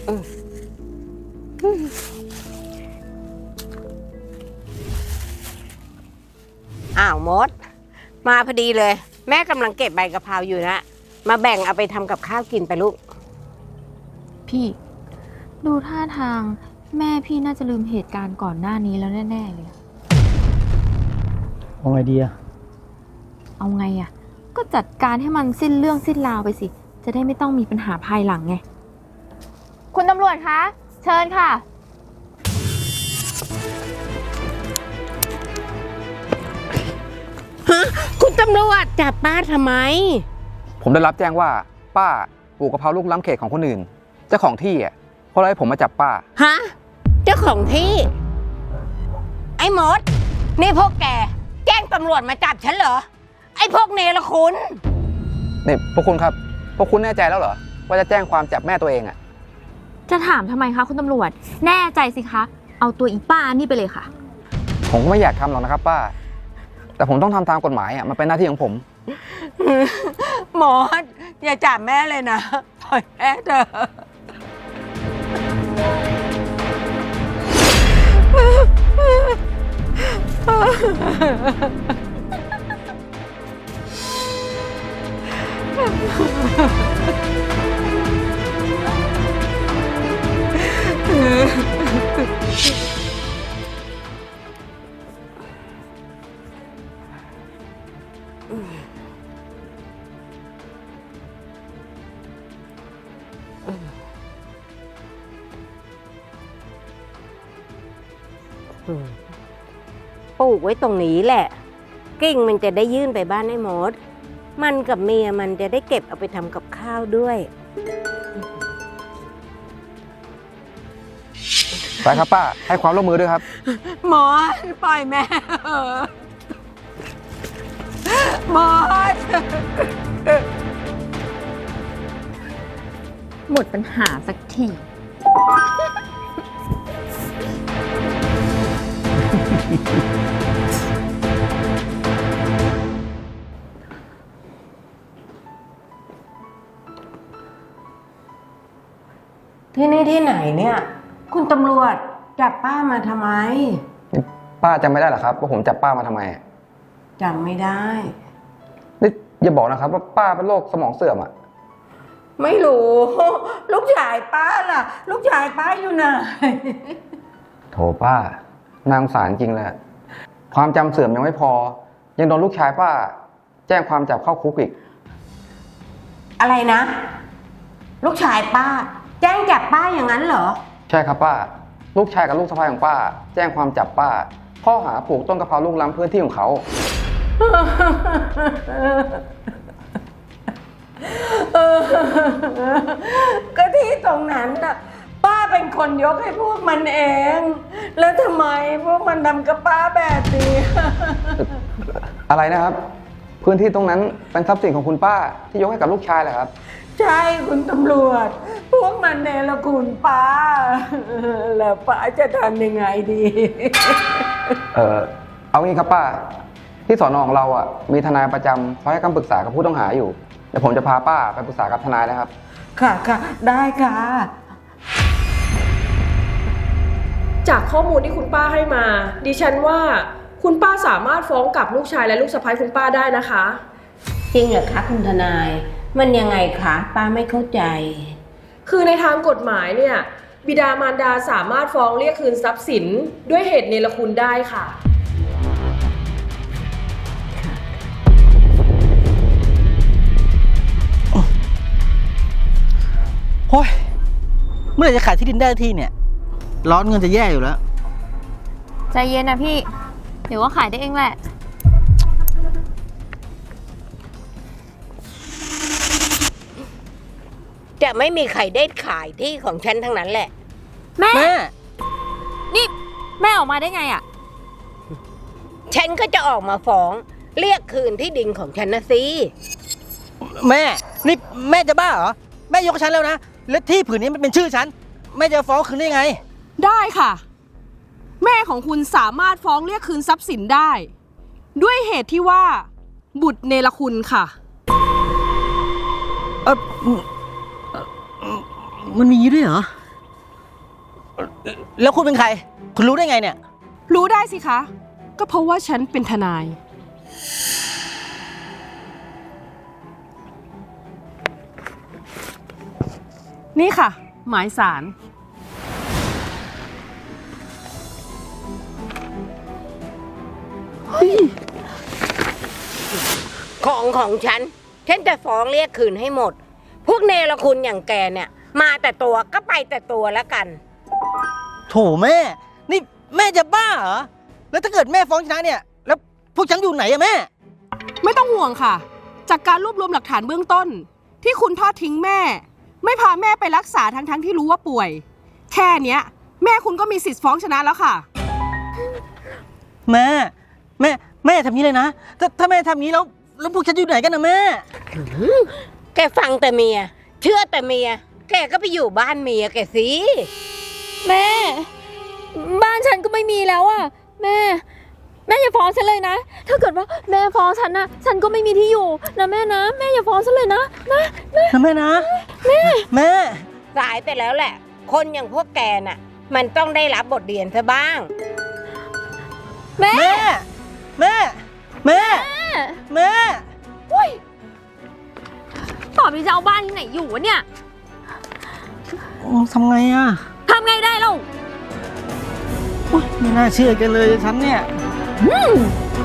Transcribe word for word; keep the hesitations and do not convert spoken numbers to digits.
อ้าวมดมาพอดีเลยแม่กำลังเก็บใบกะเพราอยู่นะมาแบ่งเอาไปทำกับข้าวกินไปลูกพี่ดูท่าทางแม่พี่น่าจะลืมเหตุการณ์ก่อนหน้านี้แล้วแน่ๆเลยเอาไงดีอะเอาไงอะก็จัดการให้มันสิ้นเรื่องสิ้นราวไปสิจะได้ไม่ต้องมีปัญหาภายหลังไงคุณตำรวจคะเชิญค่ะฮะคุณตำรวจจับป้าทำไมผมได้รับแจ้งว่าป้าปลูกกะเพราลูกล้ำเขตของคนอื่นเจ้าของที่อ่ะเพราะอะไรผมมาจับป้าฮะเจ้าของที่ไอ้มดนี่พวกแกแจ้งตำรวจมาจับฉันเหรอไอ้พวกเนรคุณนี่พวกคุณครับพวกคุณแน่ใจแล้วเหรอว่าจะแจ้งความจับแม่ตัวเองอ่ะจะถามทำไมคะคุณตำรวจแน่ใจสิคะเอาตัวอีป้านี่ไปเลยค่ะผมก็ไม่อยากทำหรอกนะครับป้าแต่ผมต้องทำตามกฎหมายอ่ะมันเป็นหน้าที่ของผมหมดอย่าจับแม่เลยนะปล่อยแม่เถอะปลูกไว้ตรงนี้แหละกิ่งมันจะได้ยื่นไปบ้านไอ้มดมันกับเมียมันจะได้เก็บเอาไปทำกับข้าวด้วยไปครับป้าให้ความร่วมมือด้วยครับหมอปล่อยแม่หมอหมดปัญหาสักทีที่นี่ที่ไหนเนี่ยคุณตำรวจจับป้ามาทำไมป้าจำไม่ได้หรอครับว่าผมจับป้ามาทำไมจำไม่ได้นี่อย่าบอกนะครับว่าป้าเป็นโรคสมองเสื่อมอ่ะไม่รู้ลูกชายป้าล่ะลูกชายป้าอยู่ไหนโถป้านางสารจริงเลยความจำเสื่อมยังไม่พอยังโดนลูกชายป้าแจ้งความจับเข้าคุกอีกอะไรนะลูกชายป้าแจ้งจับป้าอย่างนั้นเหรอใช่ครับป้าลูกชายกับลูกสะใภ้ของป้าแจ้งความจับป้าข้อหาปลูกต้นกะเพราลูกล้ำพื้นที่ของเขาก็ที่ตรงนั้นน่ะป้าเป็นคนยกให้พวกมันเองแล้วทำไมพวกมันทำกับป้าแบบนี้อะไรนะครับพื้นที่ตรงนั้นเป็นทรัพย์สินของคุณป้าที่ยกให้กับลูกชายเหรอครับใช่คุณตำรวจพวกมันเนรคุณป้าแล้วป้าจะทำยังไงดีเออเอางี้ครับป้าที่สอนอของเราอ่ะมีทนายประจำคอยให้คำปรึกษากับผู้ต้องหาอยู่เดี๋ยวผมจะพาป้าไปปรึกษากับทนายนะครับค่ะค่ะได้ค่ะจากข้อมูลที่คุณป้าให้มาดิฉันว่าคุณป้าสามารถฟ้องกลับลูกชายและลูกสะใภ้คุณป้าได้นะคะจริงเหรอคะคุณทนายมันยังไงคะป้าไม่เข้าใจคือในทางกฎหมายเนี่ยบิดามารดาสามารถฟ้องเรียกคืนทรัพย์สินด้วยเหตุเนรคุณได้ค่ะโอ้ยเมื่อไหร่จะขายที่ดินได้ที่เนี่ยร้อนเงินจะแย่อยู่แล้วใจเย็นนะพี่เดี๋ยวว่าขายได้เองแหละจะไม่มีใครได้ขายที่ของฉันทั้งนั้นแหละแม่แม่นี่แม่ออกมาได้ไงอ่ะฉันก็จะออกมาฟ้องเรียกคืนที่ดินของฉันนะสิแม่นี่แม่จะบ้าเหรอแม่ยกฉันแล้วนะและที่ผืนนี้มันเป็นชื่อฉันแม่จะฟ้องคืนได้ไงได้ค่ะแม่ของคุณสามารถฟ้องเรียกคืนทรัพย์สินได้ด้วยเหตุที่ว่าบุตรเนรคุณค่ะเออมันมีด้วยเหรอแล้วคุณเป็นใคร คุณรู้ได้ไงเนี่ยรู้ได้สิคะ ก็เพราะว่าฉันเป็นทนาย นี่ค่ะ หมายสารของของฉัน ฉันจะฟ้องเรียกคืนให้หมด พวกเนรคุณอย่างแกเนี่ย มาแต่ตัวก็ไปแต่ตัวแล้วกันโถแม่ นี่แม่จะบ้าเหรอ แล้วถ้าเกิดแม่ฟ้องชนะเนี่ย แล้วพวกฉันอยู่ไหนอะแม่ไม่ต้องห่วงค่ะ จากการรวบรวมหลักฐานเบื้องต้น ที่คุณทอดทิ้งแม่ ไม่พาแม่ไปรักษาทั้งๆที่รู้ว่าป่วย แค่เนี้ย แม่คุณก็มีสิทธิ์ฟ้องชนะแล้วค่ะแม่ แม่ แม่ทำนี้เลยนะ ถ้าถ้าแม่ทำนี้แล้ว แล้วพวกฉันอยู่ไหนกันนะแม่แกฟังแต่เมีย เชื่อแต่เมีย แกก็ไปอยู่บ้านเมียแกสิแม่ บ้านฉันก็ไม่มีแล้วอะแม่ แม่อย่าฟ้องฉันเลยนะ ถ้าเกิดว่าแม่ฟ้องฉันนะฉันก็ไม่มีที่อยู่นะแม่นะ แม่อย่าฟ้องฉันเลยนะนะนะนะแม่นะ แม่ แม่สายไปแล้วแหละ คนอย่างพวกแกน่ะ มันต้องได้รับบทเรียนซะบ้างแม่แม่ แม่ แม่ แม่อุ้ยต่อไปจะเอาบ้านที่ไหนอยู่วะเนี่ยทำไงอะทำไงได้เล่าอุ๊ยไม่น่าเชื่อกันเลยฉันเนี่ยอืม